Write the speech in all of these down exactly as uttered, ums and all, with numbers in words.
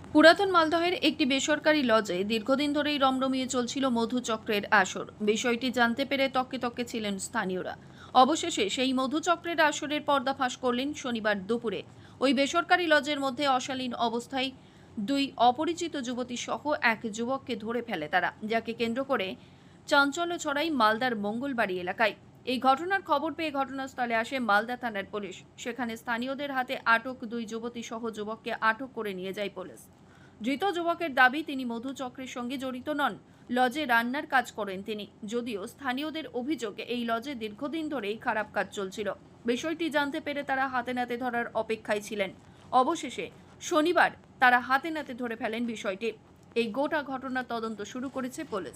পুরাতন মালদহের একটি বেসরকারি লজে দীর্ঘদিন ধরেই রমরমিয়ে চলছিল মধুচক্রের আসর। বিষয়টি জানতে পেরে তককে তককে ছিলেন স্থানীয়রা। অবশেষে সেই মধুচক্রের আসরের পর্দাফাঁস করলেন শনিবার দুপুরে। ওই বেসরকারি লজের মধ্যে অশালীন অবস্থায় দুই অপরিচিত যুবতী সহ এক যুবককে ধরে ফেলে তারা, যাকে কেন্দ্র করে চাঞ্চল্য ছড়ায় মালদার মঙ্গলবাড়ি এলাকায়। এই ঘটনার খবর পেয়ে ঘটনাস্থলে আসে মালদা থানার পুলিশ। সেখানে স্থানীয়দের হাতে আটক দুই যুবতী সহ যুবককে আটক করে নিয়ে যায় পুলিশ। ধৃত যুবকের দাবি, তিনি মধুচক্রের সঙ্গে জড়িত নন, লজে রান্নার কাজ করেন তিনি। যদিও স্থানীয়দের অভিযোগে এই লজে দীর্ঘদিন ধরেই খারাপ কাজ চলছিল। বিষয়টি জানতে পেরে তারা হাতে নাতে ধরার অপেক্ষায় ছিলেন। অবশেষে শনিবার তারা হাতে নাতে ধরে ফেলেন বিষয়টি। এই গোটা ঘটনার তদন্ত শুরু করেছে পুলিশ।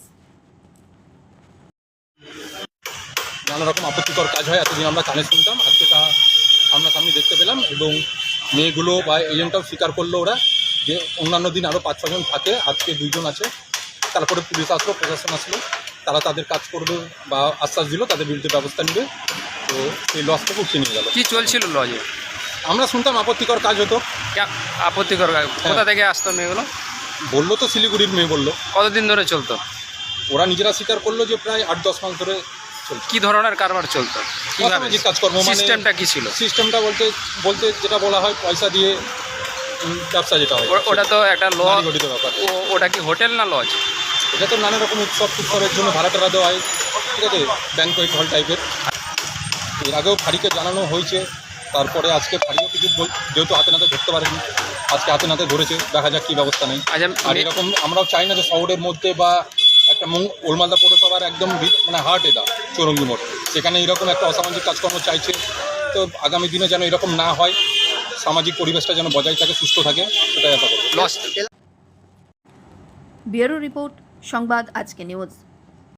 নানা রকম আপত্তিকর কাজ হয়, এতদিন আমরা কানে শুনতাম, আজকে তা সামনাসামনি দেখতে পেলাম এবং মেয়েগুলো বা এজেন্টটাও স্বীকার করলো ওরা যে অন্যান্য দিন আরও পাঁচ ছজন থাকে, আজকে দুইজন আছে। তারপরে পুলিশ আসলো, প্রশাসন আসলো, তারা তাদের কাজ করবে বা আশ্বাস দিল তাদের বিরুদ্ধে ব্যবস্থা নেবে। তো এই লসটাকে উঠিয়ে নিয়ে গেল। কি চলছিল লজে? আমরা শুনতাম আপত্তিকর কাজ হতো। क्या আপত্তিকর কাজ? কোথা থেকে আসতো মেয়েগুলো? বললো তো শিলিগুড়ির মেয়ে বললো। কতদিন ধরে চলতো? ওরা নিজেরা স্বীকার করলো যে প্রায় আট দশ মাস ধরে চলছে। কি ধরনের কারবার চলতো? কিভাবে অসামাজিক কাজকর্ম, মানে সিস্টেমটা কি ছিল? সিস্টেমটা বলতে বলতে যেটা বলা হয় পয়সা দিয়ে উম, ব্যবসা যেটা হয়, ও- ওটা তো একটা লজ। নারী গঠিত ব্যাপার। ওটা কি হোটেল না লজ? এটা তো নানা রকম উৎসব উৎসবের জন্য ভাড়া টাড়া দেওয়া হয়, ঠিক আছে, ব্যাংকোয়েট হল টাইপের। এর আগেও ফাঁড়িকে জানানো হয়েছে, তারপরে আজকে ফাঁড়িও কিছু বল- যেহেতু হাতে নাতে ধরতে পারেনি, আজকে হাতে নাতে ধরেছে, দেখা যাক কী ব্যবস্থা নেই। আচ্ছা, আর মে- এরকম আমরাও চাই না যে শহরের মধ্যে বা একটা মং ওলমালদা পৌরসভার একদম ভিত- মানে হার্ট এটা চৌরঙ্গি মোড়, সেখানে এরকম একটা অসামাজিক কাজকর্ম চাইছে। তো আগামী দিনে যেন এরকম না হয়, সামাজিক পরিবেশটা যেন বজায় থাকে, সুস্থ থাকে, সেটাই আশা করবো। লজ। ব্যুরো রিপোর্ট, সংবাদ আজকে নিউজ।